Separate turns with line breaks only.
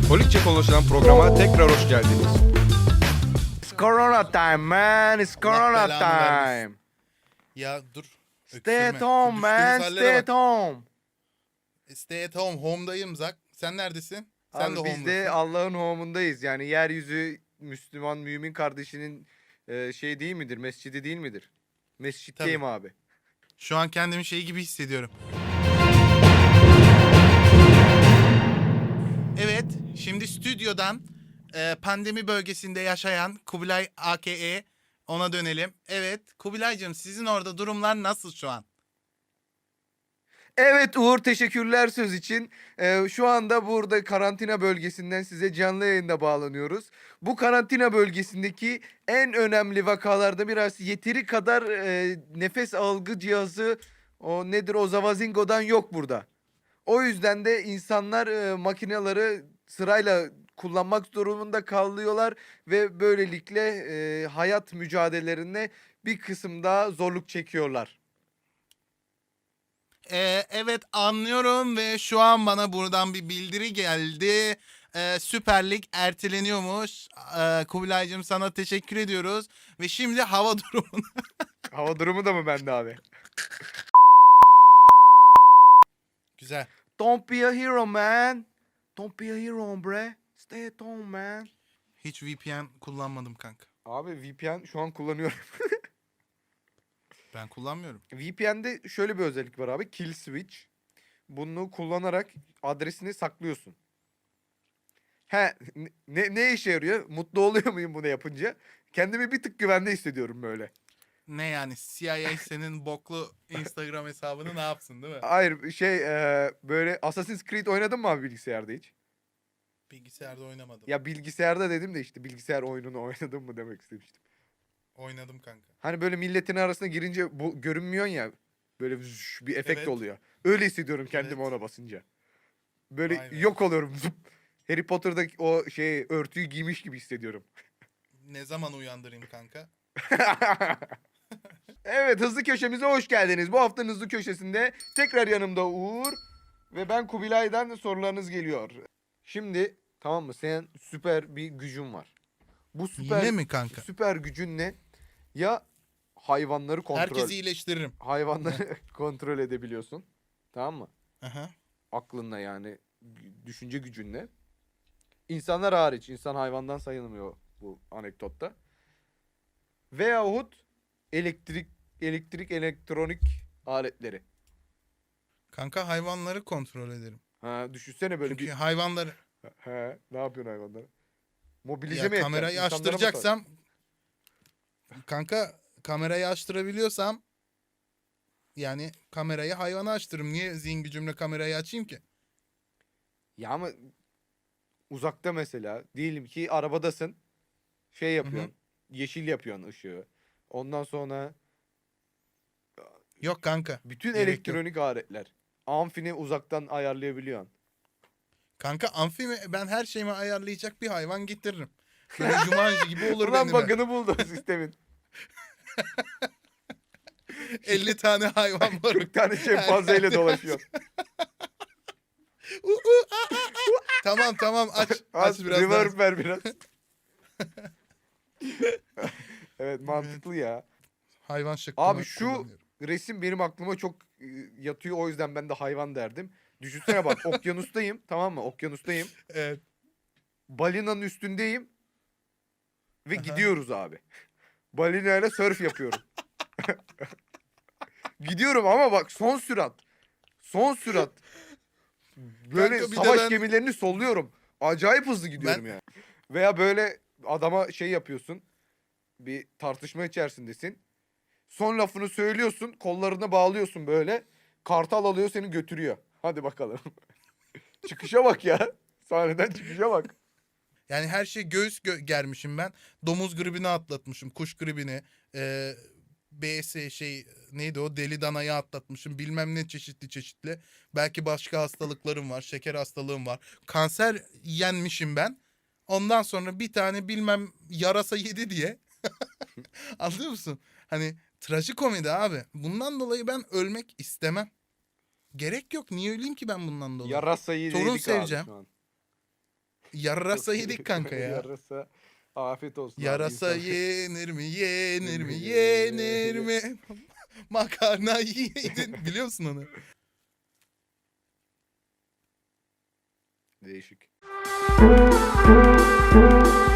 Holikçe konuşulan programa tekrar hoş geldiniz. It's Corona time man, it's Corona
Allah belanı vermesin.
time.
Ya dur.
Stay at
Öksürme.
home
Şu
man,
düştüğümüz hallere
stay at
bak.
home.
Stay at home. Home'dayım Zak. Sen neredesin? Sen
Abi
de
biz de
home'dasın.
Allah'ın home'undayız. Yani yeryüzü Müslüman mümin kardeşinin şey değil midir? Mescidi değil midir? Mescitteyim abi.
Şu an kendimi şey gibi hissediyorum. Evet. Şimdi stüdyodan pandemi bölgesinde yaşayan Kubilay AKE ona dönelim. Evet. Kubilaycığım sizin orada durumlar nasıl şu an?
Evet Uğur, teşekkürler söz için. Şu anda burada karantina bölgesinden size canlı yayında bağlanıyoruz. Bu karantina bölgesindeki en önemli vakalarda biraz yeteri kadar nefes algı cihazı o nedir o zavazingodan yok burada. O yüzden de insanlar makineleri sırayla kullanmak durumunda kalıyorlar ve böylelikle hayat mücadelelerine bir kısım daha zorluk çekiyorlar.
Evet anlıyorum ve şu an bana buradan bir bildiri geldi. Süper Lig erteleniyormuş. Kubilaycığım sana teşekkür ediyoruz. Ve şimdi hava durumunu...
Hava durumu da mı bende abi?
Güzel.
Don't be a hero man. Don't be a hero bre. Stay at home man.
Hiç VPN kullanmadım kanka.
Abi VPN şu an kullanıyorum.
Ben kullanmıyorum.
VPN'de şöyle bir özellik var abi. Kill switch. Bunu kullanarak adresini saklıyorsun. He ne işe yarıyor? Mutlu oluyor muyum bunu yapınca? Kendimi bir tık güvende hissediyorum böyle.
Ne yani CIA senin boklu Instagram hesabını ne yapsın değil mi?
Hayır böyle Assassin's Creed oynadın mı abi bilgisayarda hiç?
Bilgisayarda oynamadım.
Ya bilgisayarda dedim de işte bilgisayar oyununu oynadın mı demek istemiştim.
Oynadım kanka.
Hani böyle milletin arasına girince bu görünmüyorsun ya. Böyle bir efekt
Evet.
oluyor. Öyle hissediyorum kendimi
Evet.
ona basınca. Böyle
Vay be.
yok oluyorum. Zıp. Harry Potter'daki o örtüyü giymiş gibi hissediyorum.
Ne zaman uyandırayım kanka?
Evet, hızlı köşemize hoş geldiniz. Bu haftanın hızlı köşesinde tekrar yanımda Uğur ve ben Kubilay'dan sorularınız geliyor. Şimdi tamam mı? Senin süper bir gücün var. Bu
Yine mi kanka?
süper gücün ne? Ya hayvanları
Herkesi iyileştiririm.
hayvanları kontrol edebiliyorsun. Tamam mı?
Aha.
Aklınla yani düşünce gücünle. İnsanlar hariç, insan hayvandan sayılmıyor bu anekdotta. Veyahut elektronik aletleri.
Kanka hayvanları kontrol ederim.
Ha, düşünsene böyle
Çünkü hayvanları
ne yapıyorsun hayvanlara? Mobilize
ya
mi edeceksin?
kamerayı
İnsanlara mı sor-
açtıracaksam kanka kamerayı açtırabiliyorsam yani kamerayı hayvana açtırırım. Niye zihin gücümle kamerayı açayım ki?
Ya ama uzakta mesela diyelim ki arabadasın. Şey
Hı hı.
yapıyorsun. Yeşil yapıyorsun ışığı. Ondan sonra
Yok kanka.
bütün
Gerek yok.
elektronik aletler. Amfini uzaktan ayarlayabiliyorsun.
Kanka amfi ben her şeyimi ayarlayacak bir hayvan getiririm. Böyle Jumanji gibi olur
Ulan
benim.
bug'ını buldu sistemin.
50 tane hayvan var.
40 tane şempanzeyle dolaşıyor.
Tamam aç. Aç
Az
biraz
reverb
daha.
ver biraz. Evet, mantıklı ya.
Hayvan şıkkını
Abi şu
kullanıyorum.
resim benim aklıma çok yatıyor, o yüzden ben de hayvan derdim. Düşünsene bak, okyanustayım, tamam mı? Okyanustayım.
Evet.
Balinanın üstündeyim ve
Aha.
gidiyoruz abi. Balinayla surf yapıyorum. Gidiyorum ama bak son sürat. Son sürat. Böyle
Kanka bir de
savaş
ben-
gemilerini solluyorum. Acayip hızlı gidiyorum
Ben-
yani. Veya böyle adama şey yapıyorsun. Bir tartışma içerisindesin. Son lafını söylüyorsun. Kollarını bağlıyorsun böyle. Kartal alıyor, seni götürüyor. Hadi bakalım. Çıkışa bak ya. Sahneden çıkışa bak.
Yani her şey germişim ben. Domuz gribini atlatmışım. Kuş gribini. BS neydi o deli danayı atlatmışım. Bilmem ne çeşitli. Belki başka hastalıklarım var. Şeker hastalığım var. Kanser yenmişim ben. Ondan sonra bir tane bilmem yarasa yedi diye. Anlıyor musun? Hani trajikomedi abi. Bundan dolayı ben ölmek istemem. Gerek yok. Niye öleyim ki ben bundan dolayı?
Yarasayı
Torun
yedik abi
seveceğim.
şu an.
Yarasa
Çok-
yedik kanka ya.
Yarasa afiyet olsun abi,
Yarasa
insan-
yenir mi, yenir mi,
Yenir mi,
yenir mi? Makarna yedin. Biliyor musun onu?
Değişik.